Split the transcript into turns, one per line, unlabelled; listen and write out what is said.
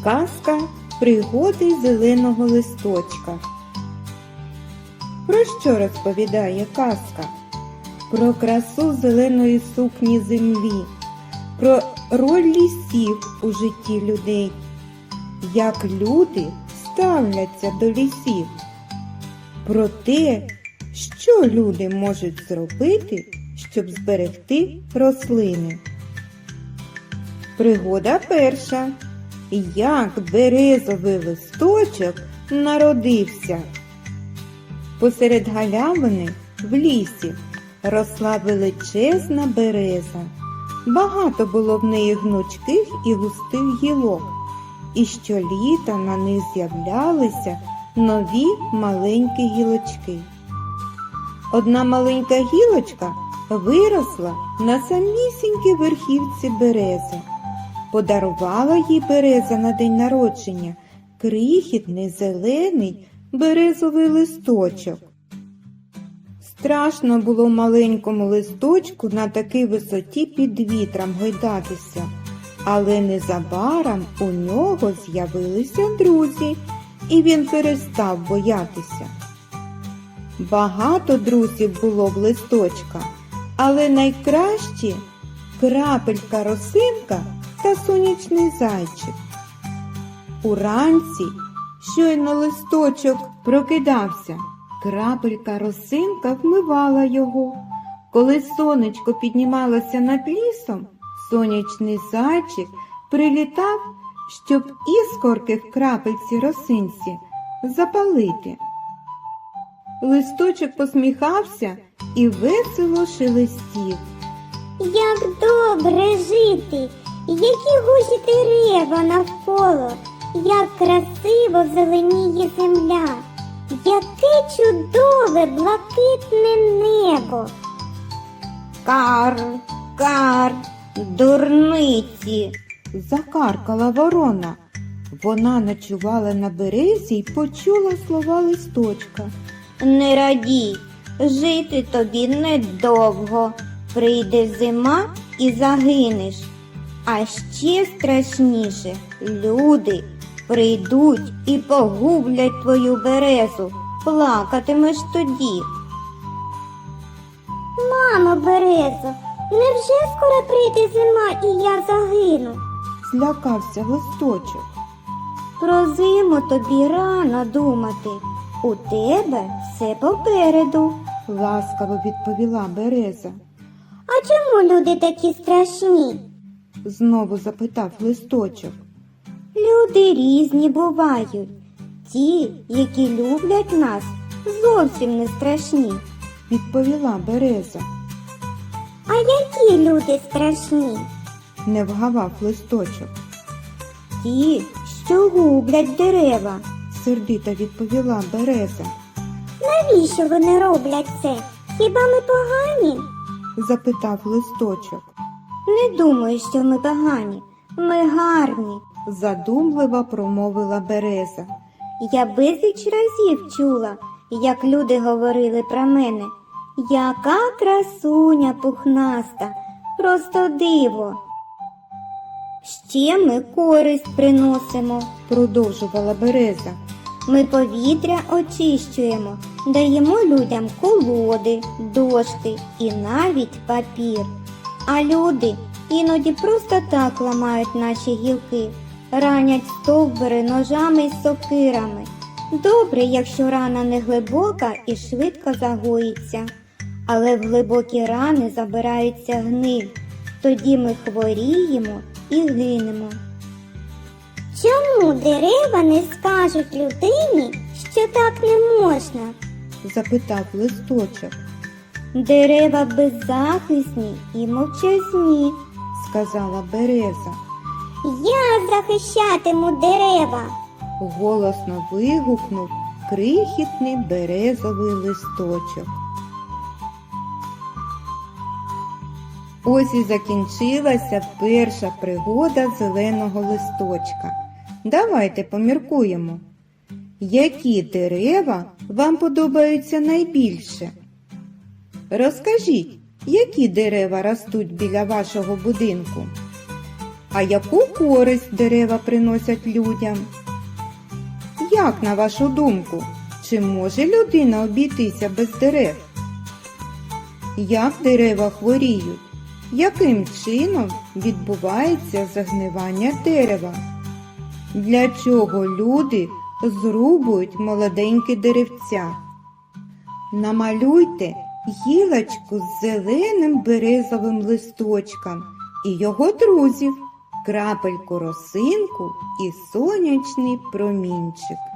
Казка «Пригоди зеленого листочка». Про що розповідає казка? Про красу зеленої сукні землі, про роль лісів у житті людей, як люди ставляться до лісів, про те, що люди можуть зробити, щоб зберегти рослини. Пригода перша. Як березовий листочок народився. Посеред галявини в лісі росла величезна береза. Багато було в неї гнучких і густих гілок, і щоліта на них з'являлися нові маленькі гілочки. Одна маленька гілочка виросла на самісінькій верхівці берези. Подарувала їй береза на день народження крихітний зелений березовий листочок. Страшно було маленькому листочку на такій висоті під вітром гойдатися, але незабаром у нього з'явилися друзі, і він перестав боятися. Багато друзів було в листочка, але найкращі крапелька-росинка та сонячний зайчик. Уранці, щойно листочок прокидався, крапелька-росинка вмивала його. Коли сонечко піднімалося над лісом, сонячний зайчик прилітав, щоб іскорки в крапельці росинці запалити. Листочок посміхався і весело шелестів.
Як добре жити, які гусі дерева навколо, як красиво зеленіє земля, яке чудове блакитне небо.
Кар, кар, дурниці, закаркала ворона. Вона ночувала на березі й почула слова листочка.
Не радій, жити тобі недовго, прийде зима і загинеш. А ще страшніше, люди прийдуть і погублять твою березу, плакатимеш тоді.
Мамо березо, невже скоро прийде зима і я загину?
Злякався листочок.
Про зиму тобі рано думати, у тебе все попереду.
Ласкаво відповіла береза.
А чому люди такі страшні?
Знову запитав листочок.
Люди різні бувають. Ті, які люблять нас, зовсім не страшні.
Відповіла береза.
А які люди страшні?
Не вгавав листочок.
Ті, що гублять дерева.
Сердито відповіла береза.
Навіщо вони роблять це? Хіба ми погані?
Запитав листочок.
Не думаю, що ми погані. Ми гарні.
Задумливо промовила береза.
Я безліч разів чула, як люди говорили про мене. Яка красуня пухнаста, просто диво. Ще ми користь приносимо.
Продовжувала береза.
Ми повітря очищуємо, даємо людям колоди, дошки і навіть папір. А люди іноді просто так ламають наші гілки, ранять стовбури ножами й сокирами. Добре, якщо рана не глибока і швидко загоїться. Але в глибокі рани забирається гниль. Тоді ми хворіємо і гинемо.
Чому дерева не скажуть людині, що так не можна?
Запитав листочок.
Дерева беззахисні і мовчазні.
Сказала береза.
Я захищатиму дерева.
Голосно вигукнув крихітний березовий листочок. Ось і закінчилася перша пригода зеленого листочка. Давайте поміркуємо. Які дерева вам подобаються найбільше? Розкажіть, які дерева ростуть біля вашого будинку? А яку користь дерева приносять людям? Як, на вашу думку, чи може людина обійтися без дерев? Як дерева хворіють? Яким чином відбувається загнивання дерева? Для чого люди зрубують молоденькі деревця? Намалюйте гілочку з зеленим березовим листочком і його друзів, крапельку росинку і сонячний промінчик.